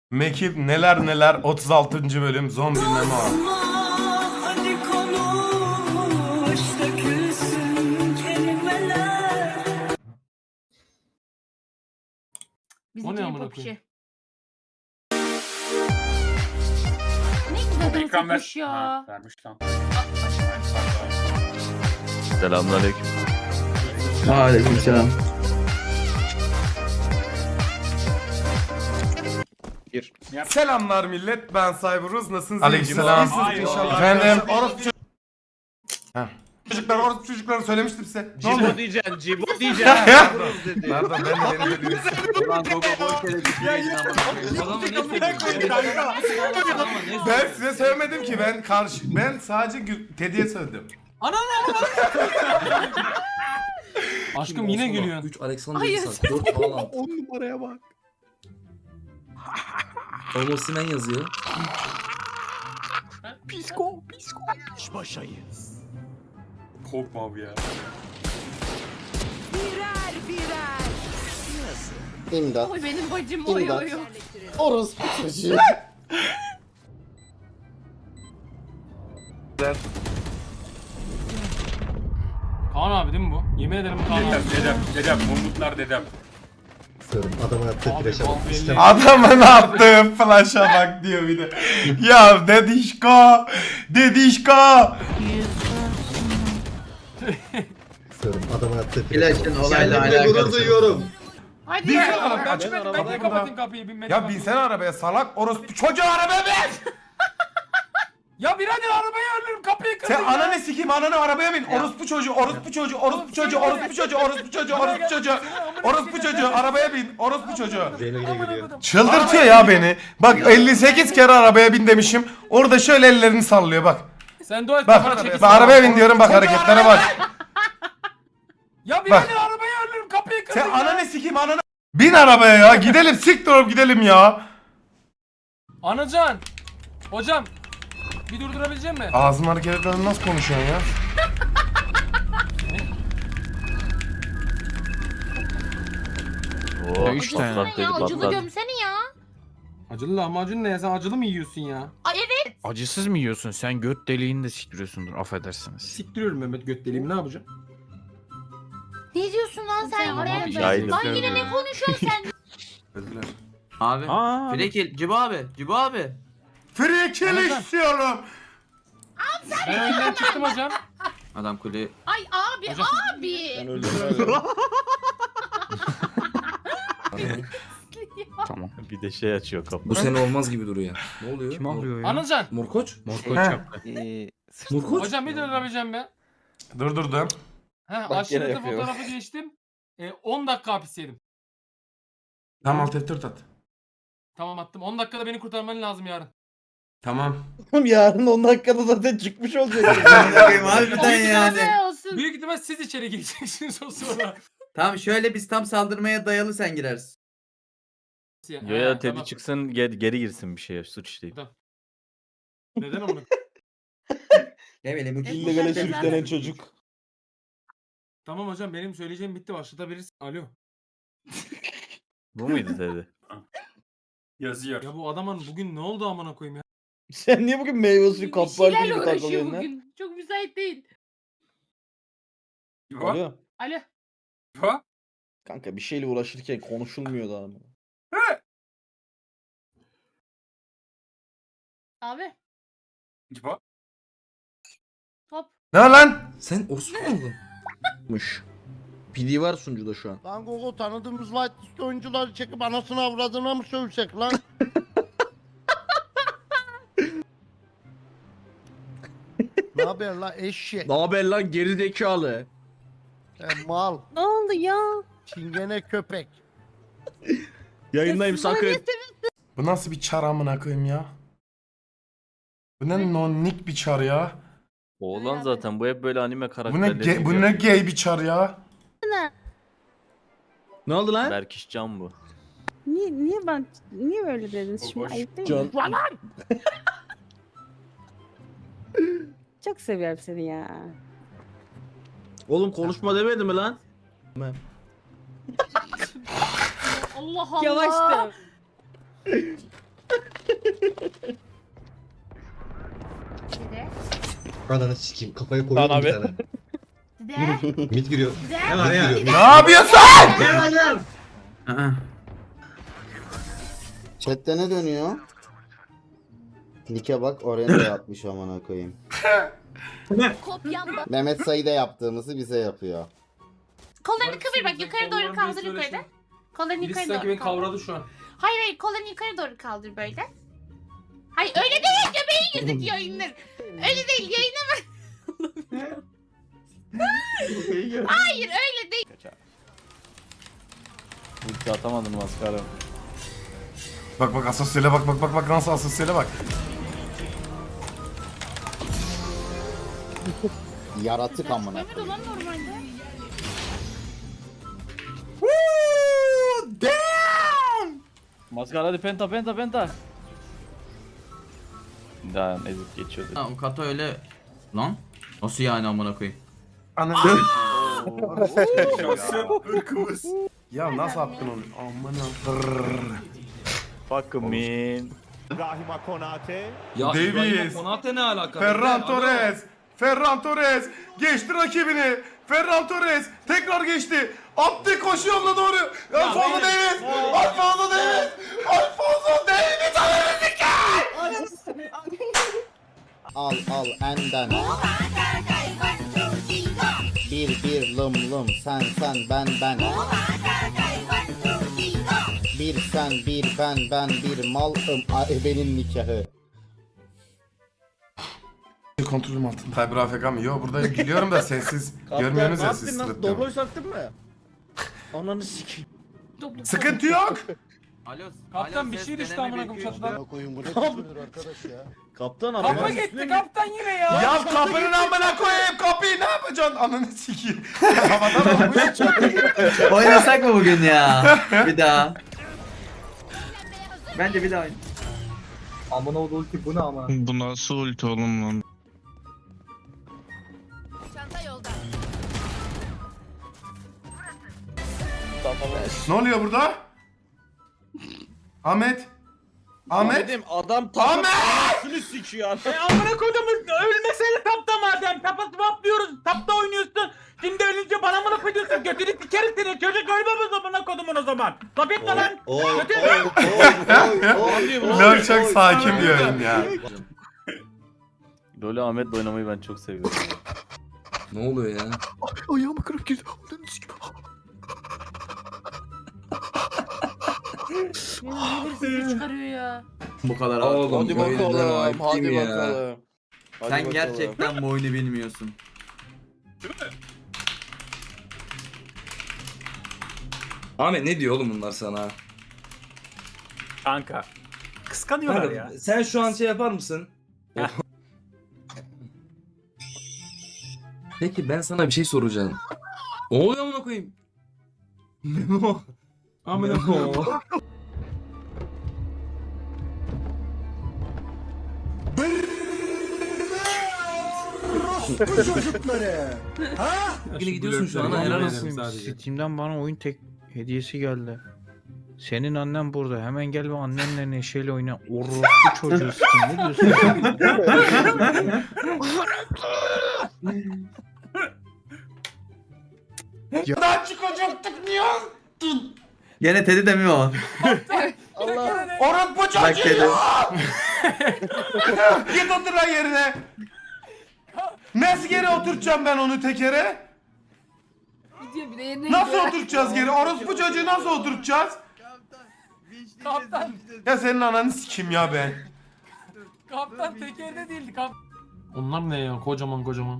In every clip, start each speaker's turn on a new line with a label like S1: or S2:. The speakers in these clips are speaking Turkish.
S1: Mekip neler neler 36. bölüm zombi memo.
S2: Hadi konuş dökülsün kelimeler.
S3: O ne amına koyayım?
S4: Ne güzel dans
S5: Ekran ver.
S4: etmiş ya.
S5: Ha, vermiş lan.
S6: Selamünaleyküm.
S7: Aleykümselam.
S1: Selamlar millet, ben Cyberuz, nasılsınız?
S5: Aleykümselam.
S1: İyisiniz
S5: Hayır,
S1: inşallah.
S5: hayır.
S1: Efendim orospu çocukları söylemiştim size. Ne oldu?
S6: Cibo diyeceksin, Cibo
S1: Ya,
S6: diyeceksin.
S1: ya. Pardon ben de dedim.
S7: Ulan Gogo boş yere
S1: Ben size söylemedim ki, ben sadece Teddy'ye söyledim.
S3: Aşkım yine gülüyorsun.
S7: 3 Alexander
S4: Hayır.
S7: Isak, 4 Haaland.
S6: 10 numaraya bak.
S7: Osimhen yazıyor.
S6: Psiko.
S5: Korkma abi ya.
S8: İmdat.
S4: Oy benim bacım oy
S8: İmdat.
S4: oy oy.
S8: Orospu çocuğu.
S3: Kaan abi değil mi bu? Yemin ederim Kaan abi.
S5: Dedem, Mumutlar dedem.
S8: Adamın attığı
S3: Abi
S8: flaşa bak.
S3: bal belli.
S8: İşte
S1: Adamın attığı flash'a bak diyor bir de. Ya dedişko, dedişko.
S8: adamın attığı flaşa bak.
S7: Flash'ın olayla alakalı.
S8: duyuyorum.
S4: Hadi
S1: Bin
S4: ya.
S1: sen arabaya.
S3: Ben de kapatın kapıyı binmedim.
S1: Ya binsene arabaya salak orospu çocuğu, arabaya bin.
S3: Ya birader arabayı ölürüm kapıyı kırdın
S1: Sen
S3: ya.
S1: ananı sikeyim, ananı arabaya bin. Orospu çocuğu, orospu çocuğu, orospu çocuğu, orospu çocuğu, orospu çocuğu, orospu çocuğu. Orospu çocuğu, arabaya bin. Orospu çocuğu.
S8: Zeyno yine gülüyor.
S1: Çıldırtıyor ya beni. Bak 58 kere arabaya bin demişim. Orada şöyle ellerini sallıyor bak.
S3: Sen dua et
S1: Bak,
S3: kafana çekilsin.
S1: bak arabaya bin diyorum, bak hareketlere bak.
S3: Ya birader arabayı ölürüm kapıyı kırdın
S1: Sen
S3: ya.
S1: ananı sikeyim, ananı. Bin arabaya ya, gidelim, siktir olup gidelim ya.
S3: Anacan. Hocam. Bir durdurabilecek misin?
S1: Ağzın hareketlerini nasıl konuşuyorsun ya?
S6: Oo,
S4: Acısını ya acılı gömsene ya.
S3: Acılı lahmacun ne ya? Sen acılı mı yiyorsun ya?
S4: Ay evet.
S6: Acısız mı yiyorsun? Sen göt deliğini de siktiriyorsundur, affedersiniz.
S3: Siktiriyorum Mehmet göt deliğimi, ne yapacağım?
S4: Ne diyorsun lan sen?
S6: Tamam
S4: Oraya
S6: abi,
S4: bak.
S6: şahidim.
S4: Lan yine ne konuşuyorsun sen?
S7: Abi.
S6: Aa,
S7: Frekil, Cibo abi. Cibo abi.
S1: Free kill istiyorum.
S3: Ben önden çıktım hocam.
S7: Adam kule.
S4: Ay abi
S3: Hocam.
S4: abi.
S6: tamam. Bir de şey açıyor kapı.
S7: Bu sene olmaz gibi duruyor. Ne oluyor?
S6: Kim alıyor ya?
S3: Anacan.
S7: Morkoç?
S1: He.
S7: Morkoç?
S3: Hocam bir durdurabileceğim be.
S1: Durdurdum.
S3: Ha aşırı fotoğrafı geçtim. 10 dakika hapis yedim.
S1: Tamam, alt F4 at.
S3: Tamam attım. 10 dakikada beni kurtarman lazım yarın.
S1: Tamam.
S8: Yarın 10 dakikada zaten çıkmış olacak.
S7: Harbiden yani.
S4: Ne olsun?
S3: Büyük ihtimal siz içeri gireceksiniz o sonra.
S7: Tamam şöyle biz tam saldırmaya dayalı sen girersin.
S6: Ya Teddy çıksın geri girsin bir şeye, suç işleyip.
S3: Neden onu?
S7: Ne bileyim
S4: İllegale sürüklenen
S8: çocuk.
S3: Tamam hocam benim söyleyeceğim bitti, başlatabilirsin. Alo.
S6: Bu muydu Teddy?
S5: Yazıyor.
S3: Ya bu adamın bugün ne oldu amına koyayım ya?
S8: Sen niye bugün meyve suyu
S4: Bir şeylerle uğraşıyor bugün. Çok müsait değil.
S5: İbo?
S4: Alo.
S5: İbo?
S8: Kanka bir şeyle uğraşırken konuşulmuyor da ama.
S4: Abi.
S5: İbo?
S4: Hop.
S1: Ne lan?
S7: Sen orospu mu oldun?
S8: PD var sunucuda şu an. Lan Gogo tanıdığımız whitelist oyuncuları çekip anasını avradına mı sövsek lan? Ne haber lan eşek?
S9: Ne haber lan gerizekalı?
S8: Mal.
S4: Ne oldu ya?
S8: Çingene köpek.
S9: Yayındayım sakın.
S1: Bu nasıl bir çar amına koyayım ya? Bu ne nonnik bir çar ya?
S6: Oğlan zaten bu hep böyle anime
S1: Bu
S6: karakterleri.
S1: ne bu ne gay bir çar ya?
S9: Ne oldu lan?
S6: Berkiş Can bu.
S4: Niye böyle dediniz? Şimdi ayıp değil mi?
S9: Can.
S4: Çok seviyorum seni ya.
S9: Oğlum konuşma demedi mi lan?
S4: Allah Allah. Yavaştı.
S8: Ananı sikeyim kafaya koyuyorum bir tane. Mid giriyor.
S7: Ne var ya?
S1: Ne yapıyorsun?
S7: Aa.
S8: Chat'te ne dönüyor? Nike bak oraya da yapmış amına koyayım. Mehmet Sayı'da yaptığımızı bize yapıyor.
S3: Kollarını kıvır bak yukarı doğru kaldır yukarıda. Kollarını yukarı doğru kaldır.
S5: şu an.
S3: Hayır kollarını yukarı doğru kaldır böyle. Hayır öyle değil göbeği gözüküyor indir. Öyle değil yayına bak. Hayır öyle değil.
S6: Ulti atamadın maskara.
S1: Bak bak asosyale bak nasıl asosyale bak.
S8: Yaratık amına
S3: Evet olan normalde.
S6: Maskara hadi penta. Daha ezip geçiyordu.
S7: Ha, o kata öyle lan. Nasıl yani amına koyayım?
S1: Ananı.
S5: Irkımız.
S1: Ya nasıl attın onu? Amına.
S6: Fuck me.
S1: Davies.
S3: Konate ne alaka?
S1: Ferran Torres geçti rakibini. Ferran Torres tekrar geçti. Attı koşu yoluna doğru. Alfonso Davies. Alfonso Davies.
S8: Al enden. Bir lım sen ben. Bir sen bir ben bir malım benim nikahı.
S1: Kontrolüm altında. Cyber AFK mı? Yo burada gülüyorum da sessiz. Görmüyorsunuz ya siz sırıtlıyorum.
S9: sattın mı? Ananı sikeyim.
S1: Sıkıntı yok.
S7: Alo.
S3: Kaptan bir şey düştü amına koyayım çatıdan.
S8: Koyun bu ne biçimdir arkadaş ya.
S9: Kaptan
S3: Kapı gitti kaptan yine ya.
S1: Ya kapının amına koyayım kapıyı ne yapacaksın? Ananı sikeyim. Havadan olmuş.
S7: Oynasak mı bugün ya? Bir daha. Bence bir daha oyn.
S10: Bu nasıl ulti oğlum lan?
S3: Çanta yolda.
S1: Ne oluyor burada? Ahmet.
S9: Adam
S1: Ahmet!
S9: tapasını sikiyor.
S3: Amına koydum ölmesene tapta madem. Tapası patlıyoruz. Tapta oynuyorsun. Şimdi ölünce bana mı laf ediyorsun? Götünü sikerim seni. Çocuk ölmemez amına kodumun o zaman. Laf etme lan.
S1: Lol çok sakin bir oyun ya.
S6: Böyle Ahmet'le oynamayı ben çok seviyorum.
S10: Ne oluyor ya?
S9: Ayağımı kırıp girdi.
S3: Çıkarıyor ya.
S7: Bu kadar
S10: Oğlum,
S8: Hadi bakalım. Hadi bakalım.
S7: Sen gerçekten bu oyunu bilmiyorsun.
S10: Ahmet ne diyor oğlum bunlar sana?
S6: Kanka.
S3: Kıskanıyorlar ya.
S10: Sen şu an şey yapar mısın? Peki ben sana bir şey soracağım. Ne oluyor amına koyayım? Memo. Amına koyayım. Yine gidiyorsun şu an helal olsun.
S9: Steam'den bana oyun tek hediyesi geldi. Senin annen burada. Hemen gel ve annenle neşeyle oyna. Orospu çocuğu Steam. Ne diyorsun?
S1: Daha çıkacaktık niye?
S7: Gene Teddy de mi o?
S1: Orospu
S7: Bak
S1: çocuğu
S7: Teddy.
S1: ya! Git otur lan yerine. Nasıl geri oturtacağım ben onu tekere? Nasıl oturtacağız geri? Orospu çocuğu nasıl oturtacağız?
S3: Kaptan.
S1: Ya senin ananı sikeyim ya ben.
S3: Kaptan tekerde değildi kaptan. Onlar ne ya kocaman.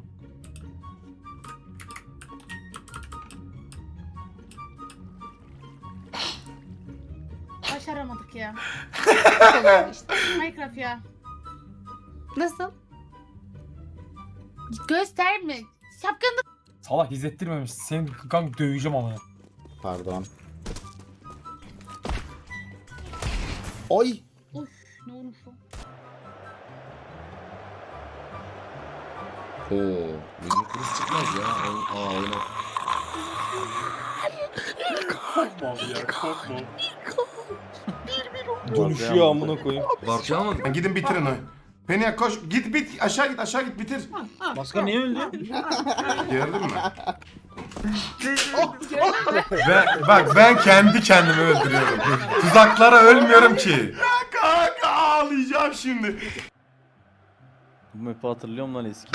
S4: Başaramadık ya. işte Minecraft ya. Nasıl?
S3: Gösterme. Şapkanı
S11: Salak izlettirmemiş. Seni kanka döveceğim ama.
S8: Pardon. Oy.
S4: Of ne olmuş o?
S10: Oo, bizim kız çıkmaz ya. Oyna.
S6: Dönüşüyor
S10: amına koyayım.
S5: Barça almadın.
S1: Gidin bitirin o. Peniak koş. Git aşağı git bitir.
S3: Maskar niye öldü?
S1: Gördün mü? Bak ben kendi kendimi öldürüyorum. Tuzaklara ölmüyorum ki. Ya kanka ağlayacağım şimdi.
S6: Bu map'i hatırlıyorum lan eski.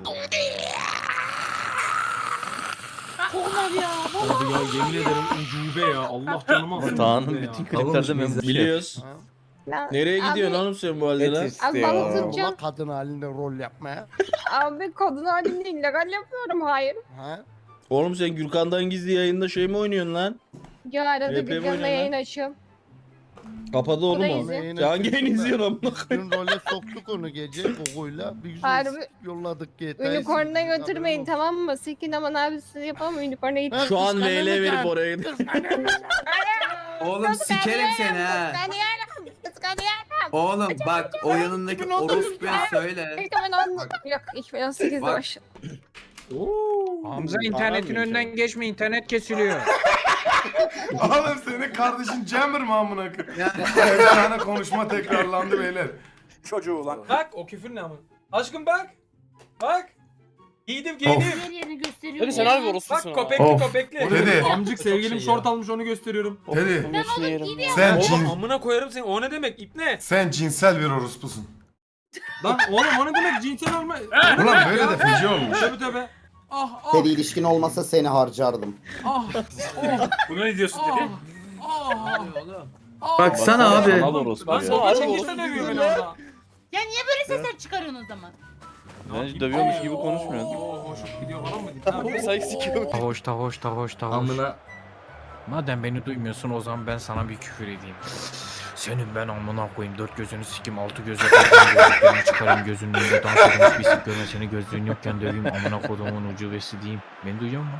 S4: Onlar ya.
S11: Abi ya yemin ederim ucube ya. Allah canımı alsın.
S6: Tağ'ın
S11: ucube ya.
S6: bütün kliplerinde ben bu şey.
S10: Biliyoruz. Nereye gidiyorsun oğlum sen bu halde lan?
S4: Abi balık tutacağım.
S8: Ulan kadın halinde rol yapmaya.
S4: Abi kadın halinde illegal yapıyorum. Hayır.
S8: Ha?
S10: Oğlum sen Gürkan'dan gizli yayında şey mi oynuyorsun lan?
S4: Ya arada
S10: Hep
S4: bir
S10: oynuyor
S4: canlı
S10: lan.
S4: yayın açıyorum.
S10: Kapadı oğlum
S4: da
S10: o.
S4: izliyor.
S10: Sen hangi yayını izliyorsun amına koyayım?
S8: Dün role soktuk onu gece Gogo'yla. Bir güzel
S4: Harbi.
S8: yolladık GTA'yı.
S4: Unicorn'a götürmeyin tamam mı? Silkin aman abi siz yapalım Unicorn'a git.
S10: Şu an VL verip oraya gidiyor.
S4: Oğlum sikerim seni ha. Kıskanıyorum.
S12: Oğlum bak o yanındaki orospuya söyle.
S4: 2010 yok 2018'de
S12: Bak.
S4: başladı.
S9: Hamza internetin önünden geçme, internet kesiliyor.
S1: Oğlum senin kardeşin Jammer mı amına koyayım? Bir tane konuşma tekrarlandı beyler.
S5: Çocuğu lan.
S11: Bak o küfür ne ama. Aşkım bak. Bak. Giydim
S1: Of.
S4: Her yerini gösteriyor.
S12: Hadi sen abi orospusun.
S11: Bak köpekli
S1: Of.
S11: köpekli.
S1: Dedi.
S11: Amcık sevgilim şort almış onu gösteriyorum.
S1: Dedi.
S12: Ben
S1: Sen
S11: Oğlum
S1: cin,
S11: amına koyarım seni. O ne demek? İp ne?
S1: sen cinsel bir orospusun.
S11: Lan oğlum o ne demek? Cinsel olma.
S1: Ulan böyle de feci olmuş.
S11: Tabii tabii. Ah ah
S12: Seri ilişkin olmasa seni harcardım.
S11: ah.
S5: Bunu ne diyorsun dedi?
S11: Ah.
S6: Baksana abi. Sanal orospu
S11: Lan
S6: ya.
S11: sonra çekilse dövüyor beni orada.
S4: Ya niye böyle sesler çıkarıyorsun o zaman?
S6: Bence dövüyormuş gibi konuşmuyorsun.
S11: Oo hoşum gidiyor falan mı? Tamam.
S9: Tahoş.
S10: Amına.
S9: Madem beni duymuyorsun o zaman ben sana bir küfür edeyim. Senin ben amına koyayım 4 gözünü sikim 6 göze koyayım gözlüklerini çıkarayım gözünün önünde dans edilmiş bir sik görme seni gözlüğün yokken döveyim amına kodumun ucubesi diyeyim. Beni duyuyor musun?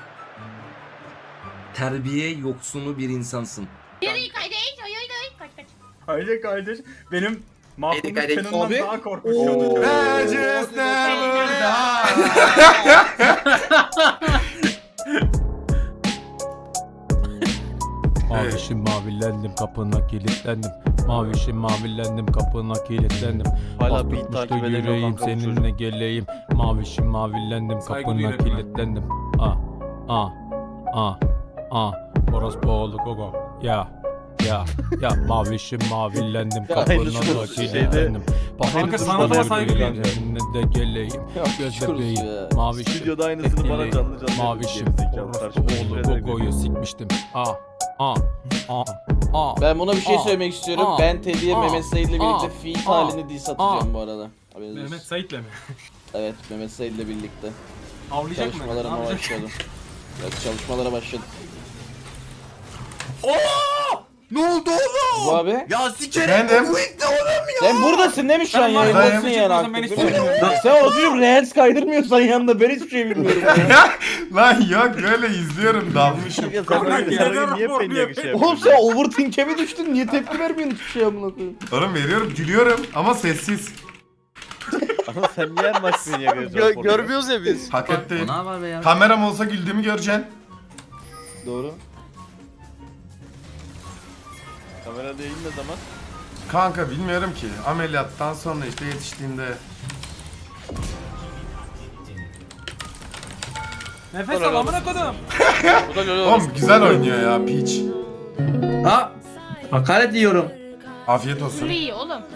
S10: Terbiye yoksunu bir insansın.
S4: Yürü kardeş kaç.
S3: Hayır kardeş. Benim mahkumluk
S12: kardeş.
S3: canından
S10: Abi.
S3: daha korkunç oldu.
S1: I just never die.
S11: Mavişim mavilendim kapına kilitlendim. Mavişim mavilendim kapına kilitlendim.
S6: Hala beat takip edemiyorum
S11: yüreğim
S6: kanka bu çocuk.
S11: seninle geleyim. Mavişim mavilendim kapına kilitlendim. Orospu oğlu gogo. Ya mavişim mavilendim kapına
S6: Aynısı
S11: da
S6: şeyde-
S11: kilitlendim.
S6: Kanka
S11: Sana saygı seninle de geleyim. Göz bebeğim. Mavişim.
S6: Stüdyoda aynısını bana canlı canlı
S11: Mavişim.
S6: gerizekalı
S11: Orospu
S6: karşıma
S11: oğlu
S6: çıkıyor.
S11: gogoyu sikmiştim.
S10: Ben buna bir şey söylemek istiyorum. Ben Teddy'ye
S11: Aa.
S10: Mehmet Said'le birlikte
S11: Aa.
S10: feat
S11: Aa.
S10: halini diss atacağım bu arada. Haberiniz olsun.
S11: Mehmet Sait'le mi?
S10: Evet Mehmet Said'le birlikte.
S11: Avlayacak mı?
S10: Çalışmalarıma
S11: Ne yapacak?
S10: başladım. Evet çalışmalara başladım.
S12: Ne oldu oğlum?
S10: Bu abi.
S12: Ya sikerim
S1: Efendim?
S12: bu ilk de oğlum ya.
S10: Sen buradasın değil mi şu an
S11: Sen var ya,
S10: yayındasın
S11: ben
S10: yani
S11: çıkmıyorsam ben
S10: artık.
S11: hiçbir şey bilmiyorum.
S10: Sen oturup reels kaydırmıyorsan yanında ben hiçbir şey bilmiyorum. ya.
S1: Lan yok böyle izliyorum dalmışım.
S6: Ya sen
S11: Kanka,
S6: böyle
S11: yeter
S6: sarı niye
S11: rapor
S6: penyak şey
S10: Oğlum
S6: yapıyorsun?
S10: sen overthink'e mi düştün? Niye tepki vermiyorsun hiçbir şey amına koyayım?
S1: Oğlum veriyorum gülüyorum ama sessiz.
S6: Ama sen niye her maç penyak yapıyorsun?
S12: Görmüyoruz ya biz.
S1: Hak etti.
S7: Ne var be ya?
S1: Kameram olsa güldüğümü göreceksin.
S10: Doğru.
S6: Kamera değil ne zaman?
S1: Kanka bilmiyorum ki. Ameliyattan sonra işte yetiştiğinde.
S11: Nefes al amına kodum.
S1: Oğlum güzel oynuyor ya Peach.
S12: Ha? Hakaret yiyorum.
S1: Afiyet olsun.
S4: İyi oğlum.